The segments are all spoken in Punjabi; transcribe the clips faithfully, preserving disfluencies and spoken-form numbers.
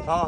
ਹਾਂ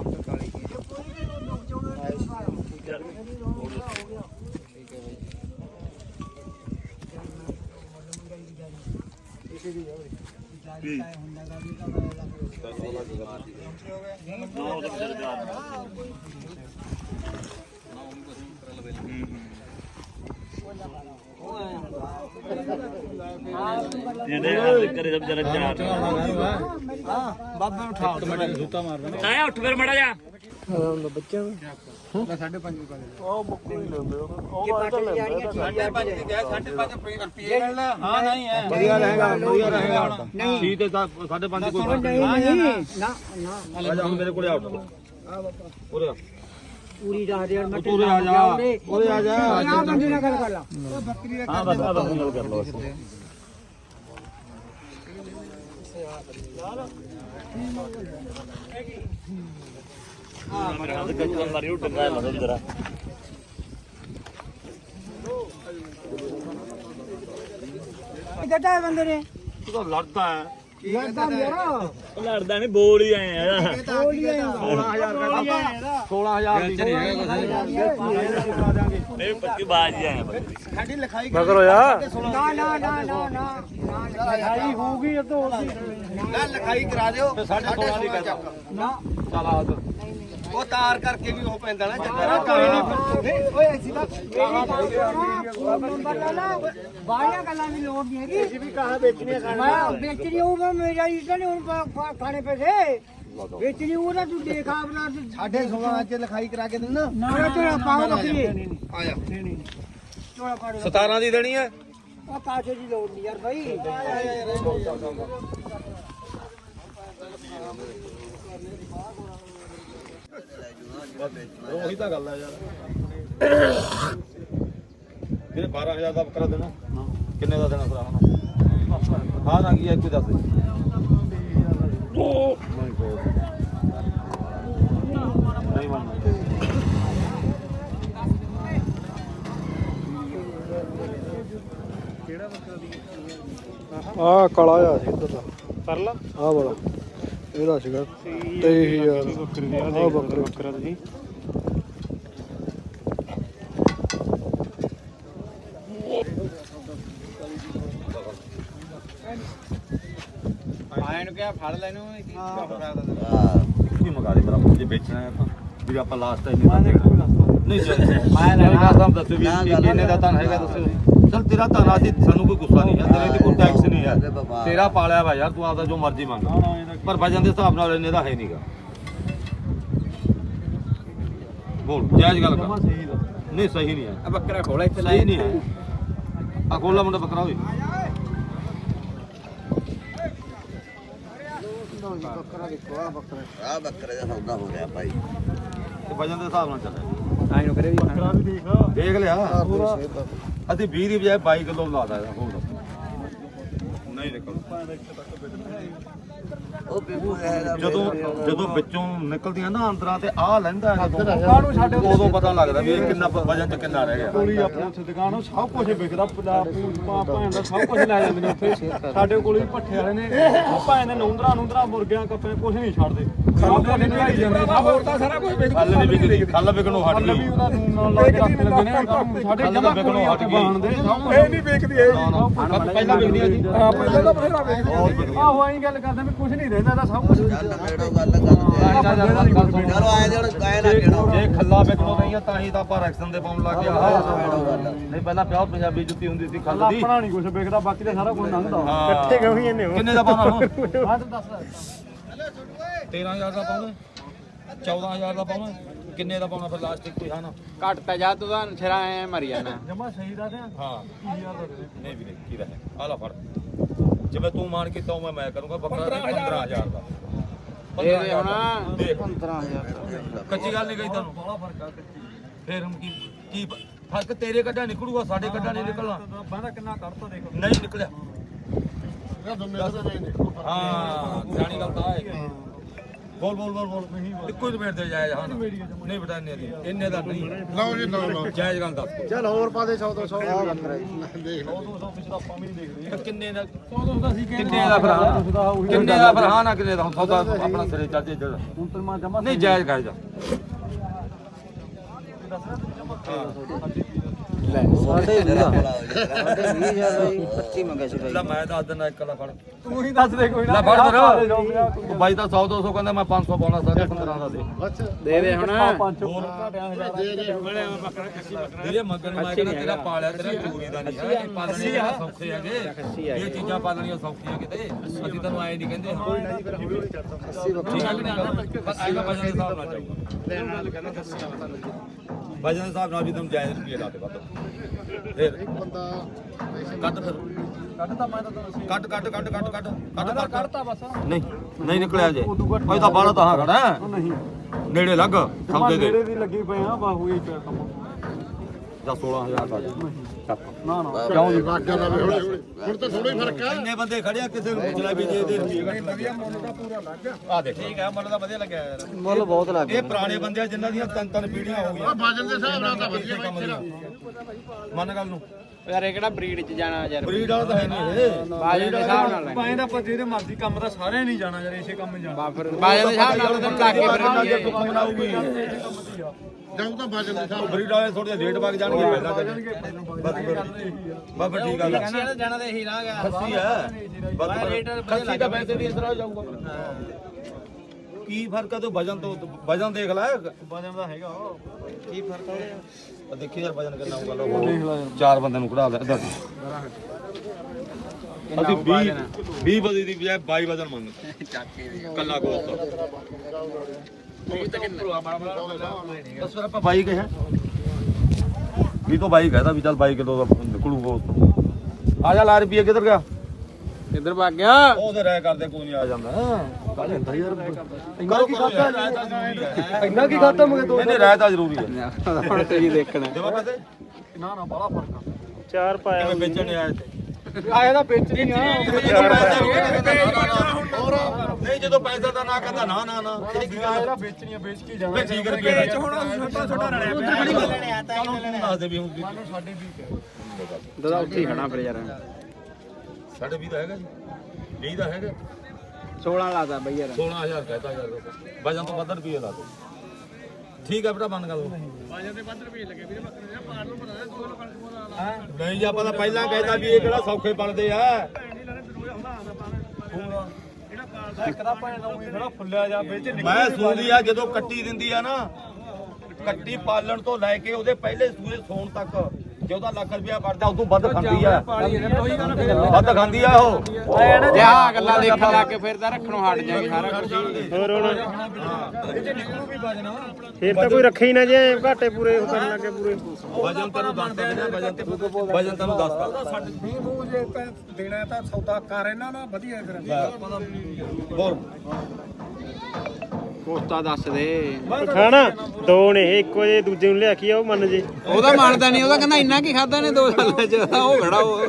ਕਰੇ ਸਭ ਜਰਾ ਚਾਰ ਬਾਬੇ ਨੂੰ ਉਠਾ ਸੁੱਤਾ ਮਾਰਦਾ ਆਇਆ ਉੱਠ ਫਿਰ ਮੜਾ ਜਾ ਬੱਚਿਆਂ ਦਾ ਸਾਢੇ ਪੰਜ ਉਹ ਮੁੱਕੂ ਹੀ ਲੈਂਦੇ ਉਹ ਤਾਂ ਲੈਂਦੇ ਸਾਢੇ ਪੰਜ ਦੀ ਗਿਆ ਸਾਢੇ ਪੰਜ ਰੁਪਏ ਲੈਣਾ ਹਾਂ ਨਹੀਂ ਹੈ ਵਧੀਆ ਰਹੇਗਾ ਵਧੀਆ ਰਹੇਗਾ ਨਹੀਂ ਸੀ ਤੇ ਸਾਢੇ ਪੰਜ ਕੋਈ ਨਹੀਂ ਨਹੀਂ ਨਾ ਨਾ ਆ ਹੁਣ ਮੇਰੇ ਕੋਲੇ ਆਉਟ ਆ ਬਾਬਾ ਉਰੇ ਆ ਪੂਰੀ ਦਸ ਹਜ਼ਾਰ ਮੈਂ ਉਰੇ ਆ ਜਾ ਉਰੇ ਆ ਜਾ ਆ ਬੰਦੇ ਨਾਲ ਗੱਲ ਕਰ ਲਾ ਉਹ ਬੱਕਰੀ ਦਾ ਹਾਂ ਬਸ ਆ ਬਸ ਗੱਲ ਕਰ ਲਓ ਹਾਂ ਮੇਰੇ ਹੱਥ ਕੱਚਾ ਮਾਰੀ ਉਹ ਡੰਗਾ ਲਾ ਜਰਾ ਕਿੱਦਾਂ ਬੰਦੇ ਨੇ ਤੂੰ ਤਾਂ ਲੜਦਾ ਹੈ ਲੜਦਾ ਮੇਰਾ ਉਹ ਲੜਦਾ ਨਹੀਂ ਬੋਲ ਹੀ ਆਏ ਆ ਬੋਲੀ ਆ ਸੋਲਾਂ ਹਜ਼ਾਰ ਦਾ ਸੋਲਾਂ ਹਜ਼ਾਰ ਦੀ ਨਹੀਂ ਪੱਕੀ ਬਾਜ ਹੀ ਆਏ ਸਾਡੀ ਲਿਖਾਈ ਮਗਰ ਯਾਰ ਨਾ ਨਾ ਨਾ ਨਾ ਨਾ ਲਿਖਾਈ ਹੋਊਗੀ ਉਦੋਂ ਨਾ ਲਿਖਾਈ ਕਰਾ ਦਿਓ ਸਾਢੇ ਸੋਲਾਂ ਦੀ ਕਰ ਨਾ ਚਲ ਆ ਉਹ ਤਾਰ ਕਰਕੇ ਵੀ ਉਹ ਪੈਂਦਾ ਨਾ ਚੱਕਰ ਕੋਈ ਨਹੀਂ ਓਏ ਅਸੀਂ ਤਾਂ ਨੰਬਰ ਲਾ ਲਾ ਬਾਹਰੀਆਂ ਗੱਲਾਂ ਦੀ ਲੋੜ ਨਹੀਂ ਹੈਗੀ ਅਸੀਂ ਵੀ ਕਹਾ ਵੇਚਣੀ ਮੈਂ ਵੇਚਣੀ ਹੋਊਗਾ ਮੇਰਾ ਇਸਾ ਨਹੀਂ ਹੁਣ ਖਾਣੇ ਪੈਸੇ ਵੇਚਣੀ ਉਹਦਾ ਤੂੰ ਦੇਖ ਆਪਣਾ ਸਾਢੇ ਸੋਲਾਂ ਚ ਲਿਖਾਈ ਕਰਾ ਕੇ ਦੇਣਾ ਨਾ ਤੇਰਾ ਪਾਉ ਬੱਕਰੀ ਆ ਜਾ ਚੋਲਾ ਪਾੜ ਸਤਾਰਾਂ ਦੀ ਦੇਣੀ ਹੈ ਉਹ ਕਾਸੇ ਦੀ ਲੋੜ ਨਹੀਂ ਯਾਰ ਭਾਈ ਉਹੀ ਤਾਂ ਗੱਲ ਹੈ ਯਾਰ ਇਹਨੇ ਬਾਰਾਂ ਹਜ਼ਾਰ ਦਾ ਬੱਕਰਾ ਦੇਣਾ ਕਿੰਨੇ ਦਾ ਦੇਣਾ ਭਰਾ ਹੁਣ ਹਾਂ ਨਾ ਕੀ ਹੈ ਕੋਈ ਦੱਸ ਦੇ ਨਹੀਂ ਮੰਨਦਾ ਕਿਹੜਾ ਬੱਕਰਾ ਦੀ ਆ ਕਾਲਾ ਆ ਸੀ ਇੱਧਰ ਦਾ ਪਰਲਾ ਆ ਵਾਲਾ ਇਹਦਾ ਸੀਗਾ ਤੇਈ ਹਜ਼ਾਰ ਬੱਕਰੀ ਦੀ ਆ ਬੱਕਰਾ ਬੱਕਰਾ ਤੁਸੀਂ ਆਏ ਨੂੰ ਕਿਹਾ ਫੜ ਲੈ ਇਹਨੂੰ ਕੀ ਮੰਗਾ ਦੇ ਬਰਾਬਰ ਜੇ ਵੇਚਣਾ ਹੈ ਆਪਾਂ ਵੀ ਆਪਾਂ ਲਾਸਟ ਟਾਈਮ ਨਹੀਂ ਮੈਂ ਲੈਣਾ ਸਭ ਦੱਸੋ ਵੀ ਕਿੰਨੇ ਦਾ ਤਾਂ ਹੈਗਾ ਦੱਸੋ ਚਲ ਤੇਰਾ ਤਾਂ ਰਾਜੀ ਸਾਨੂੰ ਕੋਈ ਗੁੱਸਾ ਨਹੀਂ ਹੈ ਤੇਰੇ ਤੇ ਕੋਈ ਟੈਕਸ ਨਹੀਂ ਹੈ ਤੇਰਾ ਪਾਲਿਆ ਵਾ ਯਾਰ ਤੂੰ ਆਪਦਾ ਜੋ ਮਰਜ਼ੀ ਮੰਗ ਪਰ ਵਜਨ ਦੇ ਹਿਸਾਬ ਨਾਲ ਇਹਨੇ ਦਾ ਹੈ ਨਹੀਂਗਾ ਬੋਲ ਜਾਇਜ਼ ਗੱਲ ਕਰ ਨਹੀਂ ਸਹੀ ਨਹੀਂ ਹੈ ਆ ਬੱਕਰਾ ਖੋਲਾ ਇੱਥੇ ਸਹੀ ਨਹੀਂ ਹੈ ਆ ਖੋਲਾ ਮੁੰਡਾ ਬੱਕਰਾ ਹੋਵੇ ਬੱਕਰਾ ਦੇਖੋ ਆ ਬੱਕਰਾ ਆ ਬੱਕਰੇ ਦਾ ਸੌਦਾ ਹੋ ਗਿਆ ਭਾਈ ਤੇ ਵਜਨ ਦੇ ਹਿਸਾਬ ਨਾਲ ਚੱਲੇ ਆਈ ਨੂੰ ਕਰੇ ਵੀ ਬੱਕਰਾ ਵੀ ਦੇਖ ਦੇਖ ਲਿਆ ਅਸੀਂ ਵੀਹ ਦੀ ਬਜਾਏ ਬਾਈ ਕਿਲੋ ਲਾਦਾ ਇਹਦਾ ਹੋਰ ਨਹੀਂ ਨਿਕਲ ਉਹ ਜਦੋਂ ਜਦੋਂ ਵਿੱਚੋਂ ਨਿਕਲਦੀਆਂ ਨਾ ਅੰਦਰਾਂ ਤੇ ਆਹ ਲੈਂਦਾ ਜਦੋਂ ਸਾਡੇ ਉਦੋਂ ਪਤਾ ਲੱਗਦਾ ਵੀ ਇਹ ਕਿੰਨਾ ਵਜਨ ਚ ਕਿੰਨਾ ਰਹਿ ਗਿਆ ਕੋਲੀ ਆਪਣੇ ਉੱਥੇ ਦੁਕਾਨ ਸਭ ਕੁਝ ਵਿਕਦਾ ਭਾਂ ਦਾ ਸਭ ਕੁਝ ਲੈ ਜਾਂਦੇ ਨੇ ਉੱਥੇ ਸਾਡੇ ਕੋਲ ਵੀ ਭੱਠੇ ਵਾਲੇ ਨੇ ਭਾਂ ਦੇ ਨੌਂਦਰਾ ਨੌਂਦਰਾ ਮੁਰਗਿਆਂ ਕੱਪੇ ਕੁਝ ਨਹੀਂ ਛੱਡਦੇ ਸਭ ਕੁਝ ਨਿਕਾਈ ਜਾਂਦੇ ਹੋਰ ਤਾਂ ਸਾਰਾ ਕੁਝ ਵਿਕਦਾ ਖੱਲ ਨਹੀਂ ਵਿਕਦੀ ਖੱਲ ਵਿਕਣੋਂ ਹਟ ਗਈ ਉਹਦਾ ਨੂਨ ਨਾਲ ਲਾ ਕੇ ਰੱਖ ਲੈਂਦੇ ਨੇ ਸਾਡੇ ਜਮਾ ਵਿਕਣੋਂ ਹਟ ਗਈ ਇਹ ਨਹੀਂ ਵਿਕਦੀ ਇਹ ਪਹਿਲਾਂ ਵਿਕਦੀ ਆ ਜੀ ਹਾਂ ਪਹਿਲਾਂ ਤਾਂ ਬਥੇਰਾ ਵਿਕਦੀ ਆਹੋ ਐਂ ਗੱਲ ਕਰਦੇ ਵੀ ਕੁਝ ਨਹੀਂ ਰਹਿੰਦਾ ਇਹਦਾ ਸਭ ਕੁਝ ਚਲੋ ਆਏ ਦੇ ਹੁਣ ਕਾਇ ਨਾ ਕਿਹੜਾ ਜੇ ਖੱਲਾ ਵਿਕਣੋਂ ਨਹੀਂ ਆ ਤਾਂ ਹੀ ਤਾਂ ਆਪਾਂ ਰੈਕਸ਼ਨ ਦੇ ਪਾਉਣ ਲੱਗ ਗਿਆ ਨਹੀਂ ਪਹਿਲਾਂ ਪਿਓਰ ਪੰਜਾਬੀ ਜੁੱਤੀ ਹੁੰਦੀ ਸੀ ਖੱਲ ਦੀ ਆਪਣਾ ਨਹੀਂ ਕੁਝ ਵਿਕਦਾ ਬਾਕੀ ਤਾਂ ਸਾਰਾ ਕੁਝ ਲੰਘਦਾ ਇਕੱਠੇ ਕਿਉਂ ਹੀ ਇਹਨੇ ਕਿੰਨੇ ਦਾ ਪਾਉਣਾ ਹੁਣ ਹਾਂ ਤੂੰ ਦੱਸ ਤੇਰਾਂ ਹਜ਼ਾਰ ਦਾ ਪਾਉਣਾ ਚੌਦਾਂ ਹਜ਼ਾਰ ਦਾ ਪਾਉਣਾ ਕਿੰਨੇ ਦਾ ਪਾਉਣਾ ਫਿਰ ਲਾਸਟ ਕੋਈ ਹਾਂ ਨਾ ਘੱਟ ਤਾਂ ਜਾ ਤੂੰ ਤਾਂ ਸਿਰਾ ਐ ਮਰ ਜਾਣਾ ਜਮਾ ਸਹੀ ਦਾ ਹਾਂ ਨਹੀਂ ਵੀਰੇ ਕੀ ਦਾ ਹੈ ਆ ਲੈ ਫੜ ਜਿਵੇਂ ਤੂੰ ਮਾਨ ਕੀਤਾ ਮੈਂ ਮੈਂ ਕਰੂੰਗਾ ਬੱਕਰਾ ਪੰਦਰਾਂ ਹਜ਼ਾਰ ਦਾ ਇਹ ਹੁਣ ਦੇਖ ਪੰਦਰਾਂ ਹਜ਼ਾਰ ਕੱਚੀ ਗੱਲ ਨਹੀਂ ਕਹੀ ਤੁਹਾਨੂੰ ਬੜਾ ਫਰਕ ਆ ਕੱਚੀ ਫੇਰ ਹੁਣ ਕੀ ਕੀ ਫਰਕ ਤੇਰੇ ਕੱਢਾ ਨਿਕਲੂਗਾ ਸਾਡੇ ਕੱਢਾ ਨਹੀਂ ਨਿਕਲਣਾ ਬਾਹਦਾ ਕਿੰਨਾ ਕੱਢਤਾ ਦੇਖ ਨਹੀਂ ਨਿਕਲਿਆ ਹਾਂ ਜਾਣੀ ਗੱਲ ਤਾਂ ਹੈ ਬੋਲ ਬੋਲ ਬੋਲ ਬੋਲ ਇੱਕੋ ਹੀ ਰੇਟ ਤੇ ਜਾਇਜ਼ ਹਾਂ ਨਹੀਂ ਬਟਾ ਇੰਨੇ ਦੀ ਇੰਨੇ ਦਾ ਨਹੀਂ ਲਓ ਜੀ ਲਓ ਲਓ ਜਾਇਜ਼ ਗੱਲ ਦੱਸ ਚੱਲ ਹੋਰ ਪਾ ਦੇ ਸੌ ਦੋ ਸੌ ਦੇਖ ਕਿੰਨੇ ਦਾ ਕਿੰਨੇ ਦਾ ਫਿਰ ਕਿੰਨੇ ਦਾ ਫਿਰ ਹਾਂ ਨਾ ਕਿੰਨੇ ਦਾ ਹੁਣ ਸੌਦਾ ਆਪਣਾ ਸਿਰੇ ਚੱਲ ਜੇ ਹੁਣ ਤੇ ਮੈਂ ਜਮਾ ਨਹੀਂ ਜਾਇਜ਼ ਕਰ ਜਾ ਸਾਡੇ ਵੀਹ ਹਜ਼ਾਰ ਪੱਚੀ ਮੰਗਿਆ ਸੀ ਲੈ ਮੈਂ ਦੱਸ ਦਿੰਦਾ ਇੱਕ ਦਾ ਫੜ ਤੂੰ ਹੀ ਦੱਸ ਦੇ ਕੋਈ ਲੈ ਫੜ ਫਿਰ ਉਹ ਬਾਈ ਤਾਂ ਸੌ ਦੋ ਸੌ ਕਹਿੰਦਾ ਮੈਂ ਪੰਜ ਸੌ ਪਾਉਣਾ ਸਾਢੇ ਪੰਦਰਾਂ ਦਾ ਦੇ ਦੇ ਦੇ ਹੁਣ ਜਿਹੜੇ ਮੰਗਣ ਨੂੰ ਮੈਂ ਕਹਿੰਦਾ ਤੇਰਾ ਪਾਲਿਆ ਤੇਰਾ ਚੋਰੀ ਦਾ ਨਹੀਂ ਹੈ ਪਾਲਣੇ ਆ ਸੌਖੇ ਹੈਗੇ ਇਹ ਚੀਜ਼ਾਂ ਪਾਲਣੀਆਂ ਸੌਖੀਆਂ ਕਿਤੇ ਅਸੀਂ ਤੈਨੂੰ ਆਏ ਨਹੀਂ ਕਹਿੰਦੇ ਹਾਂ ਠੀਕ ਹੈ ਕਿ ਬਸ ਆਏਗਾ ਵਜਨ ਦੇ ਹਿਸਾਬ ਨਾਲ ਜਾਊਗਾ ਲੈਣ ਨਾਲ ਕਹਿੰਦਾ ਦੱਸਿਆ ਵਜਨ ਦੇ ਹਿਸਾਬ ਨਾਲ ਵੀ ਤੁਹਾਨੂੰ ਜਾਇਜ਼ ਰੁਪਏ ਲਾ ਦੇ ਵੱਧ ਫਿਰ ਬੰਦਾ ਕੱਟ ਫਿਰ ਕੱਢ ਤਾਂ ਮੈਂ ਤਾਂ ਤੁਹਾਨੂੰ ਕੱਟ ਕੱਟ ਕੱਟ ਕੱਟ ਕੱਟ ਕੱਟ ਕੱਟ ਕੱਢਤਾ ਬਸ ਨਹੀਂ ਨਹੀਂ ਨਿਕਲਿਆ ਜੇ ਭਾਈ ਤਾਂ ਬਾਹਲਾ ਤਾਂ ਖੜਾ ਹੈ ਨਹੀਂ ਨੇੜੇ ਲੱਗ ਸੌਦੇ ਦੇ ਨੇੜੇ ਦੀ ਲੱਗੀ ਪਏ ਆ ਬਾਹੂ ਹੀ ਪਿਆ ਕੰਮ ਜਾਂ ਸੋਲਾਂ ਹਜ਼ਾਰ ਦਾ ਨਾ ਨਾ ਕਿਉਂ ਜੀ ਲੱਗ ਗਿਆ ਹੌਲੀ ਹੌਲੀ ਹੁਣ ਤਾਂ ਥੋੜਾ ਹੀ ਫਰਕ ਆ ਇੰਨੇ ਬੰਦੇ ਖੜੇ ਆ ਕਿਸੇ ਨੂੰ ਪੁੱਛਣਾ ਵੀ ਜੇ ਇਹਦੇ ਰੁਪਏ ਵਧੀਆ ਮੁੱਲ ਦਾ ਪੂਰਾ ਲੱਗ ਗਿਆ ਆ ਦੇਖ ਠੀਕ ਹੈ ਮੁੱਲ ਦਾ ਵਧੀਆ ਲੱਗਿਆ ਯਾਰ ਮੁੱਲ ਬਹੁਤ ਲੱਗ ਇਹ ਪੁਰਾਣੇ ਬੰਦੇ ਆ ਜਿਨ੍ਹਾਂ ਦੀਆਂ ਤਿੰਨ ਤਿੰਨ ਪੀੜ੍ਹੀਆਂ ਹੋ ਗਈਆਂ ਵਜਨ ਦੇ ਹਿਸਾਬ ਨਾਲ ਤਾਂ ਵਧੀਆ ਕੰਮ ਦੀਆਂ ਮੰਨ ਗੱਲ ਨੂੰ ਯਾਰ ਇਹ ਕਿਹੜਾ ਬਰੀਡ ਚ ਜਾਣਾ ਯਾਰ ਬਰੀਡ ਵਾਲਾ ਤਾਂ ਹੈ ਨਹੀਂ ਇਹ ਬਾਜਨ ਦੇ ਹਿਸਾਬ ਨਾਲ ਪਾਏ ਦਾ ਆਪਾਂ ਜਿਹਦੇ ਮਰਜ਼ੀ ਕੰਮ ਦਾ ਸਾਰਿਆਂ ਨਹੀਂ ਜਾਣਾ ਯਾਰ ਇਸੇ ਕੰਮ ਜਾਣਾ ਬਾਫਰ ਬਾਜਨ ਦੇ ਹਿਸਾਬ ਨਾਲ ਤਾਂ ਲਾ ਕੇ ਫਿਰ ਜੇ ਕੰਮ ਲਾਊਗੀ ਜਾਊ ਤਾਂ ਵਜਨ ਦੇ ਹਿਸਾਬ ਬਰੀਡ ਵਾਲੇ ਥੋੜੇ ਰੇਟ ਵਗ ਜਾਣਗੇ ਪਹਿਲਾਂ ਤਾਂ ਬਸ ਠੀਕ ਆ ਜਾਣਾ ਜਾਣਾ ਤਾਂ ਇਹੀ ਰਾਹ ਗਿਆ ਖੱਸੀ ਹੈ ਬਸ ਖੱਸੀ ਦਾ ਵੈਸੇ ਵੀ ਇਸ ਤਰ੍ਹਾਂ ਜਾਊਗਾ ਕੀ ਫਰਕ ਆ ਤੂੰ ਵਜਨ ਤੋਂ ਵਜਨ ਦੇਖ ਲੈ ਵਜਨ ਦਾ ਹੈਗਾ ਕੀ ਫਰਕ ਹੈ ਆ ਦੇਖੀ ਯਾਰ ਵਜਨ ਕਿੰਨਾ ਹੋਊਗਾ ਲੋ ਚਾਰ ਬੰਦਿਆਂ ਨੂੰ ਕਢਾ ਲੈ ਇੱਧਰ ਅਸੀਂ ਵੀਹ ਵੀਹ ਵਜੇ ਦੀ ਬਜਾਏ ਬਾਈ ਵਜਨ ਮੰਗਦੇ ਕੱਲਾ ਗੋਸਤ ਬਸ ਫਿਰ ਆਪਾਂ ਬਾਈ ਕਿਹਾ ਵੀ ਤੋਂ ਬਾਈ ਕਹਦਾ ਵੀ ਚੱਲ ਬਾਈ ਕਿਲੋ ਦਾ ਨਿਕਲੂ ਗੋਸਤ ਆ ਜਾ ਲਾ ਰੁਪਏ ਕਿੱਧਰ ਗਿਆ ਕਿੱਧਰ ਭੱਗ ਗਿਆ ਉਹ ਤੇ ਰਹਿ ਕਰਦੇ ਕੋਈ ਨਹੀਂ ਆ ਜਾਂਦਾ ਕੱਲ ਹੁੰਦਾ ਯਾਰ ਇੰਨਾ ਕੀ ਖਾਤਾ ਇੰਨਾ ਕੀ ਖਾਤਾ ਮਗੇ ਦੋ ਇਹਨੇ ਰਹਿ ਤਾਂ ਜ਼ਰੂਰੀ ਹੈ ਹੁਣ ਤੇ ਹੀ ਦੇਖਣਾ ਦੇਵਾ ਪੈਸੇ ਨਾ ਨਾ ਬੜਾ ਫਰਕ ਆ ਚਾਰ ਪਾਇਆ ਕਿਵੇਂ ਵੇਚਣ ਨਹੀਂ ਆਏ ਤੇ ਆਇਆ ਤਾਂ ਵੇਚਣੀ ਆ ਨਹੀਂ ਜਦੋਂ ਪੈਸਾ ਦਾ ਨਾ ਕਹਿੰਦਾ ਨਾ ਨਾ ਨਾ ਇਹ ਕੀ ਗੱਲ ਇਹਦਾ ਵੇਚਣੀ ਆ ਵੇਚ ਕੇ ਜਾਣਾ ਮੈਂ ਠੀਕ ਕਰਕੇ ਵੇਚ ਹੁਣ ਛੋਟਾ ਛੋਟਾ ਰਲਿਆ ਪਿਆ ਦੱਸ ਦੇ ਵੀ ਹੁਣ ਸਾਡੇ ਵੀ ਦਾਦਾ ਉੱਥੇ ਹੀ ਖੜਾ ਫਿਰ ਯਾਰ ਸਾਡੇ ਵੀਹ ਦਾ ਹੈਗਾ ਜੀ ਵੀਹ ਦਾ ਹੈਗਾ ਸੋਲਾਂ ਲਾਦਾ ਬਈ ਯਾਰ ਸੋਲਾਂ ਹਜ਼ਾਰ ਕਹਤਾ ਯਾਰ ਵਜਨ ਤੋਂ ਵੱਧ ਰੁਪਏ ਲਾ ਦੋ ਠੀਕ ਹੈ ਬੇਟਾ ਬੰਨ ਗੱਲ ਵਜਨ ਦੇ ਵੱਧ ਰੁਪਏ ਲੱਗੇ ਵੀਰੇ ਬੱਕਰੇ ਦਾ ਪਾੜ ਨੂੰ ਬਣਾ ਦੋ ਲੋਕਾਂ ਨੂੰ ਨਹੀਂ ਜੀ ਆਪਾਂ ਤਾਂ ਪਹਿਲਾਂ ਕਹਿਤਾ ਵੀ ਇਹ ਕਿਹੜਾ ਸੌਖੇ ਬਣਦੇ ਆ ਇੱਕ ਦਾ ਭਾਂ ਨੂੰ ਖੜਾ ਫੁੱਲਿਆ ਜਾ ਵਿੱਚ ਮੈਂ ਸੂਦੀ ਆ ਜਦੋਂ ਕੱਟੀ ਦਿੰਦੀ ਆ ਨਾ ਕੱਟੀ ਪਾਲਣ ਤੋਂ ਲੈ ਕੇ ਉਹਦੇ ਪਹਿਲੇ ਸੂਏ ਸੌਣ ਤੱਕ ਜੇ ਉਹਦਾ ਲੱਖ ਰੁਪਇਆ ਵੜਦਾ ਉਦੋਂ ਵੱਧ ਖਾਂਦੀ ਆ ਵੱਧ ਖਾਂਦੀ ਆ ਉਹ ਜੇ ਆ ਗੱਲਾਂ ਦੇਖਣ ਲੱਗ ਕੇ ਫਿਰ ਤਾਂ ਰੱਖਣੋਂ ਹਟ ਜਾਏਗੀ ਸਾਰਾ ਕੁਝ ਹੋਰ ਹੁਣ ਇਹ ਚ ਨਿਕਲੂ ਵੀ ਵਜਣਾ ਫੇਰ ਤਾਂ ਕੋਈ ਰੱਖੇ ਹੀ ਨਾ ਜੇ ਘਾਟੇ ਪੂਰੇ ਉਹ ਕਰਨ ਲੱਗੇ ਪੂਰੇ ਵਜਨ ਤੈਨੂੰ ਦੱਸਦਾ ਨਾ ਵਜਨ ਤੇ ਵਜਨ ਤੈਨੂੰ ਦੱਸਦਾ ਸਾਡੇ ਵੀਹ ਮੂੰਹ ਜੇ ਤਾਂ ਦੇਣਾ ਤਾਂ ਸੌਦਾ ਕਰ ਇਹਨਾਂ ਨਾਲ ਵਧੀਆ ਫਿਰ ਹੋਰ ਕੋਸਤਾ ਦੱਸ ਦੇ ਖਾਣਾ ਦੋ ਨੇ ਇਹ, ਇੱਕੋ ਜੇ ਦੂਜੇ ਨੂੰ ਲਿਆ ਕੇ ਆ ਉਹ ਮੰਨ ਜੇ ਉਹਦਾ ਮੰਨਦਾ ਨਹੀਂ ਉਹਦਾ ਕਹਿੰਦਾ ਇੰਨਾ ਕੀ ਖਾਦਾ ਨੇ ਦੋ ਸਾਲਾਂ ਚ ਉਹ ਖੜਾ ਉਹ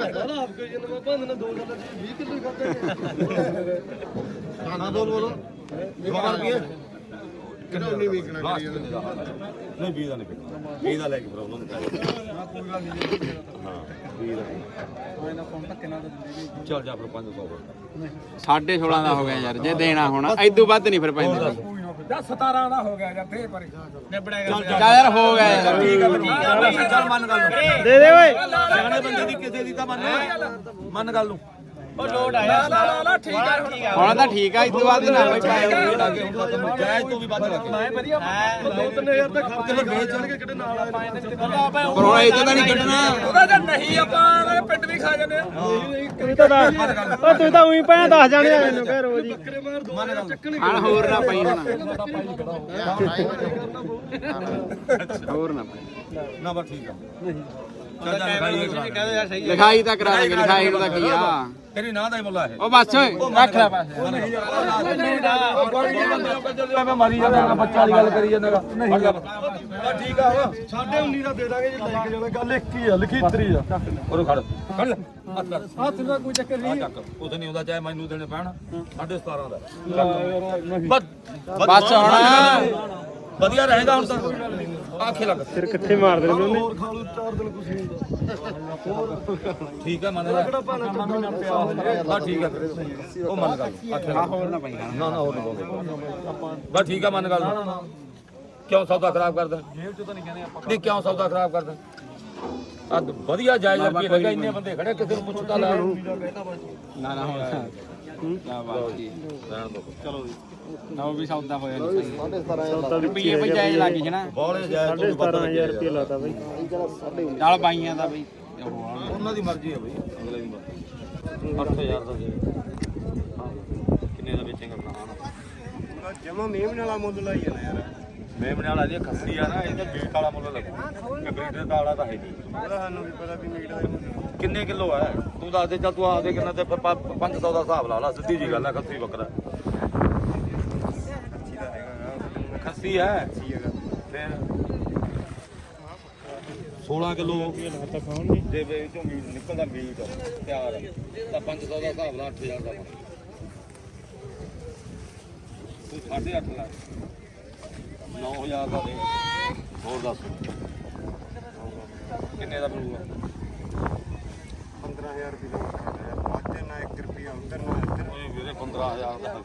ਖਾਣਾ ਬੋਲ ਬੋਲੋ ਜਵਾਨ ਕੀ ਕਿਹੜਾ ਨਹੀਂ ਵੇਚਣਾ ਕਰੀ ਨਹੀਂ ਵੀਹ ਦਾ ਨਹੀਂ ਪਿਆ ਵੀਹ ਦਾ ਲੈ ਕੇ ਫਿਰ ਉਹਨਾਂ ਨੂੰ ਕਹਿ ਹਾਂ ਵੀਹ ਦਾ ਇਹਨਾਂ ਫੋਨ ਧੱਕੇ ਨਾਲ ਦਿੰਦੇ ਚੱਲ ਜਾ ਫਿਰ ਪੰਜ ਸੌ ਸਾਢੇ ਸੋਲਾਂ ਦਾ ਹੋ ਗਿਆ ਯਾਰ ਜੇ ਦੇਣਾ ਹੁਣ ਐਦੂ ਵੱਧ ਨਹੀਂ ਫਿਰ ਪੈਂਦਾ ਜਾਂ ਸਤਾਰਾਂ ਦਾ ਹੋ ਗਿਆ ਜਾਂ ਫੇਰ ਪਰੇ ਨਿਬੜੇਗਾ ਚੱਲ ਯਾਰ ਹੋ ਗਿਆ ਯਾਰ ਠੀਕ ਆ ਠੀਕ ਆ ਚੱਲ ਮੰਨ ਗੱਲ ਨੂੰ ਦੇ ਦੇ ਓਏ ਸਿਆਣੇ ਬੰਦੇ ਦੀ ਕਿਸੇ ਦੀ ਤਾਂ ਮੰਨ ਮੰਨ ਗੱਲ ਨੂੰ ਉਹ ਲੋਡ ਆਇਆ ਲਾ ਲਾ ਲਾ ਠੀਕ ਆ ਠੀਕ ਆ ਹੁਣ ਤਾਂ ਠੀਕ ਆ ਇਦੋਂ ਬਾਅਦ ਨਾ ਬਈ ਪਾਏ ਜਾਇਜ਼ ਤੋਂ ਵੀ ਵੱਧ ਲੱਗੇ ਮੈਂ ਵਧੀਆ ਦੋ ਤਿੰਨ ਹਜ਼ਾਰ ਤਾਂ ਖਰਚ ਫਿਰ ਵੇਚ ਜਾਣਗੇ ਕਿਹੜੇ ਨਾਲ ਆ ਪਰ ਹੁਣ ਇਹ ਤਾਂ ਨਹੀਂ ਕੱਢਣਾ ਉਹਦਾ ਤਾਂ ਨਹੀਂ ਆਪਾਂ ਪਿੰਡ ਵੀ ਖਾ ਜਾਂਦੇ ਆ ਤੂੰ ਤਾਂ ਦੱਸ ਉਹ ਤੂੰ ਤਾਂ ਉਹੀ ਪਾਇਆ ਦੱਸ ਜਾਣੇ ਆ ਮੈਨੂੰ ਕਹਿ ਰੋਜ਼ ਹੀ ਹਣ ਹੋਰ ਨਾ ਪਈ ਹੁਣ ਹੋਰ ਨਾ ਪਈ ਨਾ ਬਸ ਠੀਕ ਆ ਨਹੀਂ ਚੱਲ ਜਾ ਭਾਈ ਲਿਖਾਈ ਤਾਂ ਕਰਾ ਦੇਗੇ ਲਿਖਾਈ ਨੂੰ ਤਾਂ ਕੀ ਆ ਤੇਰੀ ਨਾਂ ਦਾ ਹੀ ਮੁੱਲਾ ਇਹ ਉਹ ਬਸ ਓਏ ਰੱਖ ਲੈ ਬਸ ਮੈਂ ਮਾਰੀ ਜਾਂਦਾ ਬੱਚਾ ਵਾਲੀ ਗੱਲ ਕਰੀ ਜਾਂਦਾ ਠੀਕ ਆ ਸਾਡੇ ਉੱਨੀ ਦਾ ਦੇ ਦਾਂਗੇ ਜੇ ਲੈ ਕੇ ਜਾਣਾ ਗੱਲ ਇੱਕ ਹੀ ਆ ਲਿਖੀਤਰੀ ਆ ਉਹ ਖੜ ਖੜ ਲੈ ਹੱਥ ਕਰ ਹੱਥ ਦਾ ਕੋਈ ਚੱਕਰ ਆ ਨਹੀਂ ਚੱਕ ਉਸ ਨਹੀਂ ਹੁੰਦਾ ਚਾਹੇ ਮੈਨੂੰ ਦੇਣੇ ਪੈਣ ਸਾਢੇ ਸਤਾਰਾਂ ਦਾ ਬਸ ਬਸ ਹੁਣ ਵਧੀਆ ਰਹੇਗਾ ਹੁਣ ਤਾਂ ਆਖੇ ਲੱਗ ਫਿਰ ਕਿੱਥੇ ਮਾਰਦੇ ਨੇ ਉਹਨੇ ਹੋਰ ਖਾ ਲੂ ਚਾਰ ਦਿਨ ਕੁਛ ਨਹੀਂ ਹੁੰਦਾ ਠੀਕ ਹੈ ਮੰਨ ਲੈ ਕਿਹੜਾ ਭਾਣਾ ਕੰਮ ਨਾ ਪਿਆ ਬਸ ਠੀਕ ਹੈ ਉਹ ਮੰਨ ਗੱਲ ਆਖੇ ਲੱਗ ਹੋਰ ਨਾ ਪਈ ਨਾ ਨਾ ਹੋਰ ਨਹੀਂ ਬੋਲਦੇ ਬਸ ਠੀਕ ਹੈ ਮੰਨ ਗੱਲ ਕਿਉਂ ਸੌਦਾ ਖਰਾਬ ਕਰਦਾ ਜੇਬ ਚ ਤਾਂ ਨਹੀਂ ਕਹਿੰਦੇ ਆਪਾਂ ਨਹੀਂ ਕਿਉਂ ਸੌਦਾ ਖਰਾਬ ਕਰਦਾ ਆ ਵਧੀਆ ਜਾਇਜ਼ ਰੁਪਏ ਲੱਗਾ ਇੰਨੇ ਬੰਦੇ ਖੜੇ ਕਿਸੇ ਨੂੰ ਪੁੱਛਦਾ ਲੈ ਨਾ ਨਾ ਹੁਣ ਨਾ ਬਾਤ ਕੀ ਰਹਿਣ ਦੋ ਚਲੋ ਨਾ ਉਹ ਵੀ ਸੌਦਾ ਹੋਇਆ ਨਹੀਂ ਸਹੀ ਰੁਪਈਏ ਵੀ ਜਾਇਜ਼ ਲੱਗ ਗਏ ਨਾ ਬੋਲੇ ਜਾਇਜ਼ ਤੋਂ ਪਤਾ ਹਜ਼ਾਰ ਰੁਪਏ ਲਾਤਾ ਬਾਈ ਨਾਲ ਬਾਈਆਂ ਦਾ ਬਈ ਉਹਨਾਂ ਦੀ ਮਰਜ਼ੀ ਹੈ ਬਈ ਅਗਲੇ ਦੀ ਮਰਜ਼ੀ ਅੱਠ ਹਜ਼ਾਰ ਦਾ ਦੇ ਕਿੰਨੇ ਦਾ ਵੇਚੇਂਗਾ ਆਪਣਾ ਜਮਾ ਮੇਮ ਵਾਲਾ ਮੁੱਲ ਲਾਈ ਜਾਣਾ ਯਾਰ ਮੇਮਣੇ ਵਾਲਾ ਦੀ ਖੱਸੀ ਆ ਨਾ ਇਹਦੇ ਮੀਟ ਵਾਲਾ ਮੁੱਲ ਲੱਗੂ ਬਰੀਡਰ ਦਾ ਵਾਲਾ ਤਾਂ ਹੈ ਨਹੀਂ ਉਹਦਾ ਸਾਨੂੰ ਵੀ ਪਤਾ ਵੀ ਮੀਟ ਦਾ ਮੁੱਲ ਕਿੰਨੇ ਕਿਲੋ ਹੈ ਤੂੰ ਦੱਸ ਦੇ ਚੱਲ ਤੂੰ ਆਖ ਦੇ ਕਿੰਨਾ ਤੇ ਫਿਰ ਪੰਜ ਸੌ ਦਾ ਹਿਸਾਬ ਲਾ ਲਾ ਸਿੱਧੀ ਜੀ ਗੱਲ ਹੈ ਖੱਸੀ ਬੱਕਰਾ ਅੱਛੀ ਦਾ ਹੈਗਾ ਖੱਸੀ ਹੈ ਅੱਛੀ ਹੈਗਾ ਫਿਰ ਸੋਲਾਂ ਕਿਲੋ ਤਾਂ ਖਾਣਗੇ ਜੇ ਵੇ ਚੋਂ ਮੀਟ ਨਿਕਲਦਾ ਮੀਟ ਤਿਆਰ ਹੈ ਤਾਂ ਪੰਜ ਸੌ ਦਾ ਹਿਸਾਬ ਲਾ ਅੱਠ ਹਜ਼ਾਰ ਦਾ ਤੂੰ ਸਾਢੇ ਅੱਠ ਲਾ ਨੌ ਹਜ਼ਾਰ ਦਾ ਦੇ ਹੋਰ ਦੱਸ ਕਿੰਨੇ ਦਾ ਬਣੂਗਾ ਪੰਦਰਾਂ ਹਜ਼ਾਰ ਰੁਪਏ ਦਾ ਬਾਅਦ ਨਾ ਇੱਕ ਰੁਪਿਆ ਉਧਰ ਨਾ ਇੱਧਰ ਓਏ ਵੀਰੇ ਪੰਦਰਾਂ ਹਜ਼ਾਰ ਦਾ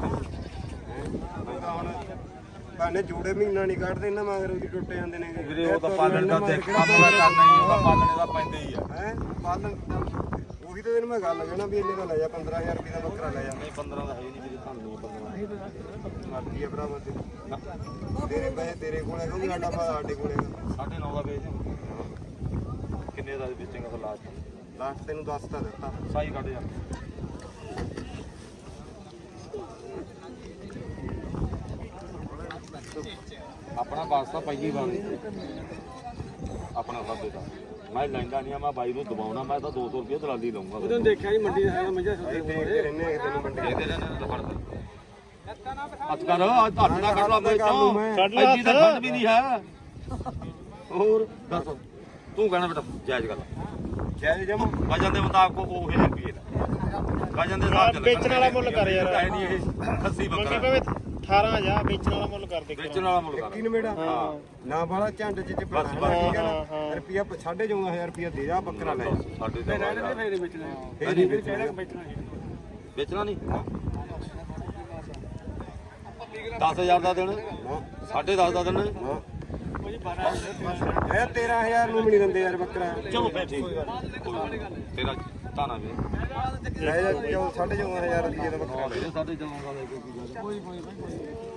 ਉਹਦਾ ਹੁਣ ਭਾਣੇ ਜੋੜੇ ਮਹੀਨਾ ਨਹੀਂ ਕੱਢਦੇ ਇਹਨਾਂ ਮਗਰ ਉਹਦੀ ਟੁੱਟ ਜਾਂਦੇ ਨੇ ਵੀਰੇ ਉਹ ਤਾਂ ਪਾਲਣ ਦਾ ਤੇ ਕੰਮ ਦਾ ਕਰਨਾ ਹੀ ਉਹਦਾ ਪਾਲਣੇ ਦਾ ਪੈਂਦਾ ਹੀ ਆ ਹੈ ਪਾਲਣ ਉਹੀ ਤਾਂ ਤੈਨੂੰ ਮੈਂ ਗੱਲ ਕਹਿਣਾ ਵੀ ਇੰਨੇ ਦਾ ਲੈ ਜਾ ਪੰਦਰਾਂ ਹਜ਼ਾਰ ਰੁਪਏ ਦਾ ਬੱਕਰਾ ਲੈ ਜਾ ਨਹੀਂ ਪੰਦਰਾਂ ਦਾ ਹੈ ਨਹੀਂ ਵੀਰੇ ਤੁਹਾਨੂੰ ਨਹੀਂ ਪੰਦਰਾਂ ਮਰਜ਼ੀ ਆ ਭਰਾਵਾ ਤੇ ਤੇਰੇ ਪੈਸੇ ਤੇਰੇ ਕੋਲ ਹੈ ਕਿਉਂਕਿ ਸਾਡਾ ਭਾ ਸਾਡੇ ਕੋਲ ਹੈ ਸਾਢੇ ਨੌ ਦਾ ਵੇਚ ਕਿੰਨੇ ਦਾ ਵੇਚੇਂਗਾ ਫਿਰ ਲਾਸਟ ਲਾਸਟ ਤੈਨੂੰ ਦੱਸ ਤਾਂ ਦਿੱਤਾ ਸਾਈ ਕੱਢ ਜਾ ਆਪਣਾ ਵਾਸਤਾ ਪਾਈਏ ਬਾਣੀ ਆਪਣਾ ਸਭ ਦਾ ਮੈਂ ਲੈਂਦਾ ਨਹੀਂ ਆ ਮੈਂ ਬਾਈ ਨੂੰ ਦਬਾਉਣਾ ਮੈਂ ਤਾਂ ਦੋ ਸੌ ਰੁਪਏ ਦਲਾਲੀ ਲਊਂਗਾ ਉਹਦੋਂ ਦੇਖਿਆ ਜੀ ਮੰਡੀ ਦਾ ਹੈਗਾ ਮੰਜਾ ਸੌਦੇ ਦੇਖਦੇ ਰਹਿੰਦੇ ਆ ਤੈਨੂੰ ਮੰਡੀ ਇਹਦੇ ਨਾਲ ਤਾਂ ਫੜਦਾ ਹੱਥ ਕਰ ਅੱਜ ਹੱਥ ਨਾ ਕਰ ਲਾ ਮੇਰੇ ਤੋਂ ਐਡੀ ਤਾਂ ਖੰਡ ਵੀ ਨਹੀਂ ਹੈ ਹੋਰ ਦੱਸ ਤੂੰ ਕਹਿਣਾ ਬੇਟਾ ਜਾਇਜ਼ ਗੱਲ ਜੈ ਜਮ ਵਜਨ ਦੇ ਮੁਤਾਬਕ ਉਹ ਹੀ ਰੁਪਏ ਦਾ ਵਜਨ ਦੇ ਹਿਸਾਬ ਨਾਲ ਵੇਚਣ ਵਾਲਾ ਮੁੱਲ ਕਰ ਯਾਰ ਹੈ ਨਹੀਂ ਇਹ ਖੱਸੀ ਬੱਕਰਾ ਅਠਾਰਾਂ ਹਜ਼ਾਰ ਵੇਚਣ ਵਾਲਾ ਮੁੱਲ ਕਰ ਦੇ ਵੇਚਣ ਵਾਲਾ ਮੁੱਲ ਕਰ ਕਿਨ ਮੇੜਾ ਹਾਂ ਨਾ ਬਾਲਾ ਝੰਡ ਚ ਚ ਬਸ, ਠੀਕ ਹੈ ਨਾ ਰੁਪਿਆ ਸਾਢੇ ਚੌਦਾਂ ਹਜ਼ਾਰ ਰੁਪਿਆ ਦੇ ਜਾ ਬੱਕਰਾ ਲੈ ਜਾ ਸਾਡੇ ਦਾ ਫੇਰ ਵੇਚਣਾ ਫੇਰ ਹੀ ਵੇਚਣਾ ਵੇਚਣਾ ਨਹੀਂ ਦਸ ਹਜ਼ਾਰ ਦਾ ਦੇਣਾ ਸਾਢੇ ਦਸ ਦਾ ਦੇਣਾ ਇਹ ਤੇਰਾਂ ਹਜ਼ਾਰ ਨੂੰ ਵੀ ਨਹੀਂ ਦਿੰਦੇ ਯਾਰ ਬੱਕਰਾ ਚਲੋ ਫੇਰ ਠੀਕ ਤੇਰਾ ਤਾਨਾ ਵੀ ਲੈ ਜਾ ਚੌ- ਸਾਢੇ ਚੌਦਾਂ ਹਜ਼ਾਰ ਰੁਪਏ ਦਾ ਬੱਕਰਾ ਲੈ ਜਾ। ਸਾਡੇ ਚੌਦਾਂ ਦਾ ਕੋਈ ਕੋਈ